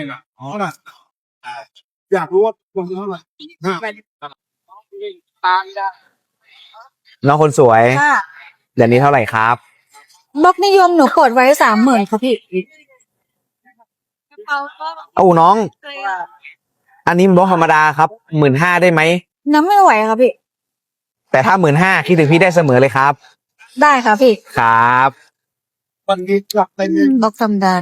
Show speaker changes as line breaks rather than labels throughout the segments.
อ๋อน่ะอยากรู้ว่าตัวเท่าไหร่
น้องคนสวย
ค่ะ
เดือนนี้เท่าไหร่ครับ
บล็อกนิยมหนูกดไว้30,000ค่ะพี่
เอ้าน้อง อันนี้มันบล็อกธรรมดาครับ15,000ได้ไหม
น้ำไม่ไหวค่ะพี่
แต่ถ้า15,000คิดถึงพี่ได้เสมอเลยครับ
ได้ค่ะพี่
ครับ
วันนี้กลับไปเรียน
บล็อกธรรมดา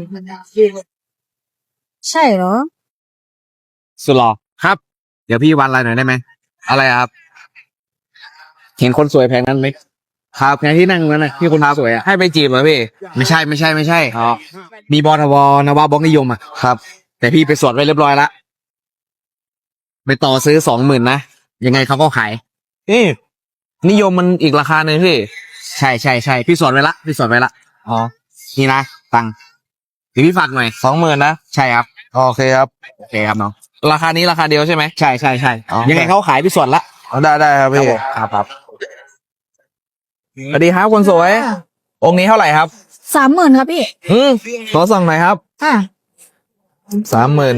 ใช่เหรอ
สุดหล่อครับ เดี๋ยวพี่วันอะไรหน่อยได้ไหม อะไรครับ เห็นคนสวยแพงนั้นไหมครับไงที่นั่งนั้นนะที่คนสวยอ่ะให้ไปจีบเหรอพี่ ไม่ใช่อ๋อมีบอทวนวบล็อกนิยมอ่ะครับ แต่พี่ไปสวดไว้เรียบร้อยละไปต่อซื้อ20,000นะยังไงเขาก็ขายนิยมมันอีกราคาหนึ่งพี่ใช่พี่สวดไว้ละอ๋อนี่นะตังค์เดี๋ยวพี่ฝากหน่อย20,000นะใช่ครับโอเคครับน้องราคานี้ราคาเดียวใช่ไหมใช่ยังไงเขาขายพี่สวดละได้ครับพี่ครับสวัสดีครับคนสวย องค์นี้เท่าไหร่ครับ
30,000ครับพี่
ขอส่องหน่อยครับ
ค่ะ
30,000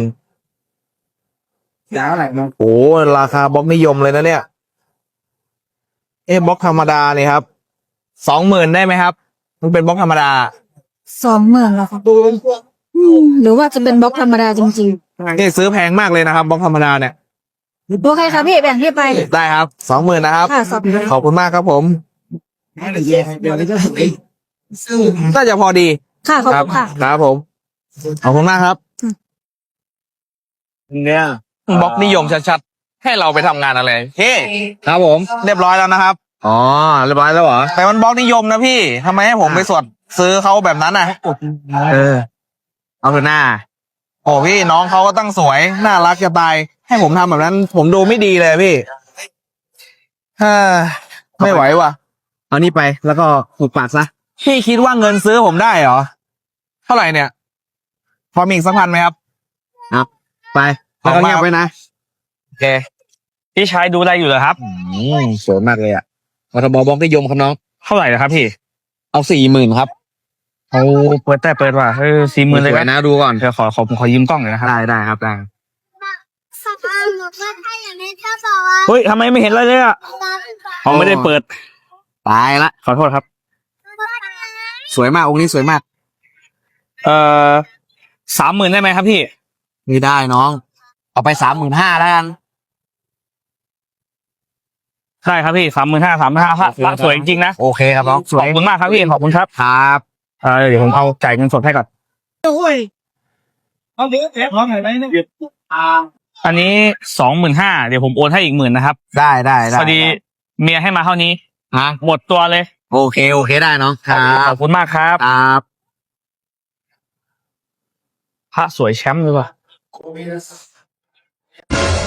แล้วอะไรมั้ง
โอ้ราคาบล็อกนิยมเลยนะเนี่ยบล็อกธรรมดาเนี่ยครับ20,000ได้ไหมครับมันเป็นบล็อกธรรมดา
20,000แล้วครับหรือว่าจะเป็นบล็อกธรรมดาจริง
นี่ซื้อแพงมากเลยนะครับบล็อกธรรมดาเนี่ย
ๆ โอเคครับพี่แบ่งที่ไป
ได้ครับ20,000นะครับ
ค่ะ20,000
ขอบคุณมากครับผม
เดี๋ยวนี้ก็ถึงซึ่ง
น่าจะพอดี
ค่ะขอบคุณค่ะ
ครับผมขอบคุณมากครับ
เนี่ย
บล็อกนิยมชัดๆให้เราไปทำงานอะไรครับผม เรียบร้อยแล้วนะครับอ๋อเรียบร้อยแล้วเหรอแต่มันบล็อกนิยมนะพี่ทำไมให้ผมไปสวดซื้อเขาแบบนั้นน่ะเอาเถอะหน้าโอ้พี่น้องเขาก็ตั้งสวยน่ารักจะตายให้ผมทำแบบนั้น ผมดูไม่ดีเลยพี่ไม่ไหวว่ะเอานี่ไปแล้วก็หุบปากซะพี่คิดว่าเงินซื้อผมได้เหรอเท่าไหร่เนี่ยพอมีอีกสักพันไหมครับครับไปแล้วก็เงียบไปนะโอเค
พี่ชายดูอะไรอยู่เหรอครับ
สวยมากเลยอ่ะมทบล็อกนิยมครับน้อง
เท่าไหร่นะครับพี่
เอา40,000ครับ
เอาเปิดว่ะ40,000เลย
สวยนะดูก่อน
เดี๋ยวขอยืมกล้องหน่อยนะครับ
ได้ครับได้
สภาพหนูก็ถ้าอย่างนี้ถ้าบอกว่า
เฮ้ยทำไมไม่เห็นอะไรเลยอ่ะเขาไม่ได้เปิด
ตายละ
ขอโทษครับ
สวยมากองค์นี้สวยมาก
30,000ได้ไหมครับพี่
ไม่ได้น้อง เอาไป35,000แล้วกัน
ได้ครับพี่35,000พระสวยจริงๆนะ
โอเคครับน้องส
ข
ว
อย บคุณมากครับพี่ขอบคุณครับ
ครับ
เดี๋ยวผมเอาจ่ายเงินสดให้ก่อน
โอ้ยเอาเดี๋ยวแอบร้องไหนไหมเนี่ย
อันนี้25,000เดี๋ยวผมโอนให้อีก10,000นะครับ
ได้
พอดีเมียให้มาเท่านี้
ฮะ
หมดตัวเลย
โอเคได้น้องครั
ข
บ
อบคุณมากครับ
ครับ
พระสวยแชมป์เลยว่ะ